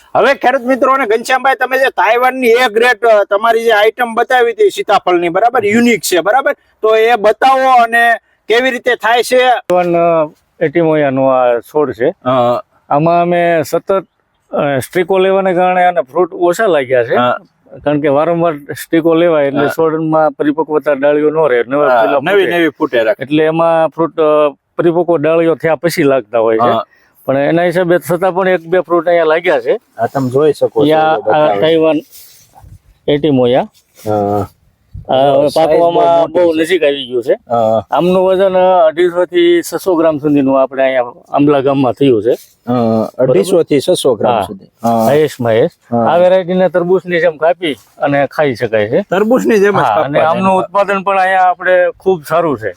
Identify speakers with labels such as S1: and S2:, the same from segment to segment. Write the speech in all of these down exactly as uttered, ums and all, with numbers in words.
S1: હવે ખેડૂત મિત્રો અને ઘનશ્યામભાઈ, તમે જે તાઇવાનની એ ગ્રેડ તમારી જે આઈટમ બતાવી હતી સીતાફળની, બરાબર, યુનિક છે, બરાબર, તો એ બતાવો અને કેવી રીતે થાય છે.
S2: એટીમોયાનો આ છોડ છે. આમાં અમે સતત સ્ટ્રીકો લેવાને કારણે આને ફ્રૂટ ઓછા લાગ્યા છે, કારણ કે વારંવાર સ્ટીકો લેવાય એટલે છોડમાં પરિપક્વતા ડાળીઓ ન રહે,
S1: નવી નવી ફૂટે રાખે,
S2: એટલે એમાં ફ્રૂટ પરિપક્વ ડાળીઓ થયા પછી લાગતા હોય છે. પણ એના હિસાબે છતાં પણ એક બે ફ્રૂટ અહીંયા લાગ્યા છે.
S1: આ તમે જોઈ શકો છો,
S2: તાઇવાન એટીમોયા પાકવામાં બહુ નજીક આવી ગયું છે. આમનું વજન અઢીસો થી છસો ગ્રામ સુધીનું આપણે અહીંયા આંબલા ગામમાં થયું છે.
S1: અઢીસો થી છસો ગ્રામ સુધી
S2: મહેશમાં હેશ. આ વેરાયટીને તરબૂચની જેમ કાપી અને ખાઈ શકાય છે.
S1: તરબૂચની જેમ
S2: અને આમનું ઉત્પાદન પણ અહીંયા આપણે ખૂબ સારું છે.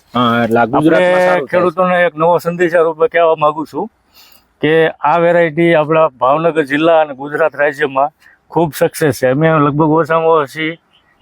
S2: આપણે ખેડૂતોને એક નવો સંદેશા રૂપે કહેવા માંગુ છું કે આ વેરાયટી આપણા ભાવનગર જિલ્લા અને ગુજરાત રાજ્યમાં ખૂબ સક્સેસ છે. અમે લગભગ ઓછામાં ઓછી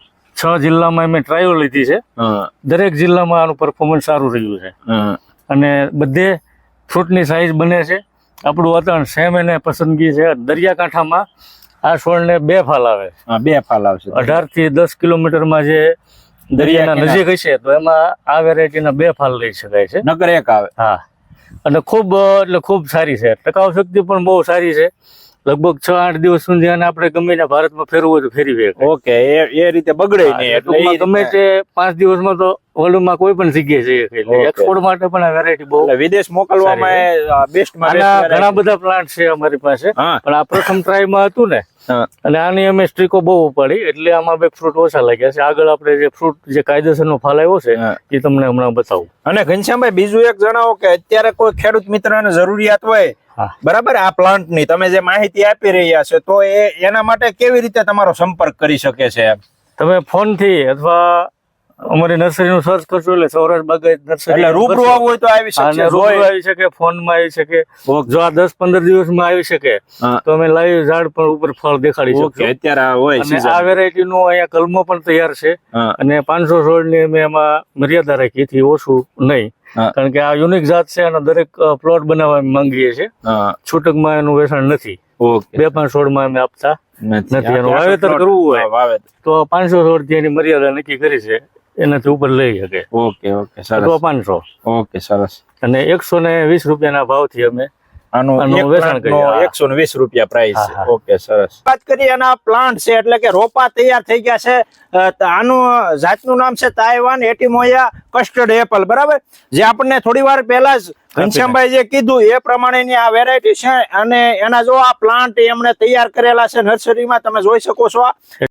S2: છ જિલ્લામાં અમે ટ્રાયલ લીધી છે. દરેક જિલ્લામાં આનું પરફોર્મન્સ સારું રહ્યું છે અને બધે ફ્રૂટની સાઈઝ બને છે. આપણું વાતાવરણ સેમ એને પસંદગી છે. દરિયાકાંઠામાં આ છોડને બે ફાલ આવે,
S1: બે ફાલ આવશે.
S2: અઢાર થી દસ કિલોમીટરમાં જે દરિયાના નજીક હશે તો એમાં આ વેરાયટીના બે ફાલ લઈ શકાય છે,
S1: નકર એક આવે.
S2: હા, અને ખૂબ એટલે ખૂબ સારી છે. ટકાઉ શક્તિ પણ બહુ સારી છે. લગભગ છ આઠ દિવસ સુધી આને આપણે ગમે ત્યાં ભારતમાં ફેરવું હોય તો ફેરવી.
S1: ઓકે, એ રીતે બગડે નહીં, એટલે
S2: ગમે તે પાંચ દિવસમાં તો વર્લ્ડમાં કોઈ પણ જગ્યાએ જઈએ. એટલે એક્સપોર્ટ માટે પણ આ વેરાયટી બહુ
S1: વિદેશ મોકલવામાં બેસ્ટ માં
S2: ઘણા બધા પ્લાન્ટ છે અમારી પાસે. પણ આ પ્રથમ ટ્રાયમાં હતું ને, અને આની અમે સ્ટ્રીકો બહુ ઉપાડી એટલે આમાં બે ફ્રૂટ ઓછા લાગ્યા છે. આગળ આપણે જે ફ્રૂટ જે કાયદેસરનો ફાલ આવ્યો છે એ તમને હમણાં બતાવું.
S1: અને ઘનશ્યામભાઈ, બીજું એક જણાવો કે અત્યારે કોઈ ખેડૂત મિત્રને જરૂરિયાત હોય, બરાબર, આ પ્લાન્ટ ની તમે જે માહિતી આપી રહ્યા છે, તો એ એના માટે કેવી રીતે તમારો સંપર્ક કરી શકે છે?
S2: તમે ફોન થી અથવા અમારી નર્સરી નું સર્ચ કરશો એટલે સૌરાષ્ટ્ર બાગાયત નર્સરી,
S1: એટલે રૂબરૂ આવવું હોય તો આવી શકે,
S2: રૂબરૂ આવી શકે, ફોન માં આવી શકે. જો આ દસ પંદર દિવસમાં આવી શકે તો અમે લાઈવ ઝાડ પર ઉપર ફળ દેખાડી શકીએ.
S1: અત્યારે હોય
S2: આ વેરાયટી નું અહીંયા કલમો પણ તૈયાર છે અને પાંચસો છોડ ની અમે એમાં મર્યાદા રાખી થી ઓછું નહીં, કારણ કે આ યુનિક જાત છે અને દરેક પ્લોટ બનાવવા માંગીએ છીએ. છૂટકમાં એનું વેચાણ નથી. બે પાંચ છોડ માં અમે આપતા નથી. એનું વાવેતર કરવું હોય તો પાંચસો છોડ થી એની મર્યાદા નક્કી કરી છે, એનાથી ઉપર લઈ શકે.
S1: ઓકે ઓકે, સરસ.
S2: પાંચસો.
S1: ઓકે, સરસ.
S2: અને એકસો ને વીસ રૂપિયાના ભાવથી અમે
S1: આનું વેચાણ કરીએ. એકસો ને વીસ રૂપિયા પ્રાઇસ છે. ઓકે, સરસ. વાત કરીએ એના પ્લાન્ટ છે, એટલે કે રોપા તૈયાર થઈ ગયા છે. આનું જાતનું નામ છે તાઇવાન એટીમોયા કસ્ટર્ડ એપલ, બરાબર, જે આપણને થોડી વાર પહેલા જ ઘનશ્યામભાઈ જે કીધું એ પ્રમાણેની આ વેરાયટી છે. અને એના જો આ પ્લાન્ટ એમણે તૈયાર કરેલા છે નર્સરીમાં, તમે જોઈ શકો છો.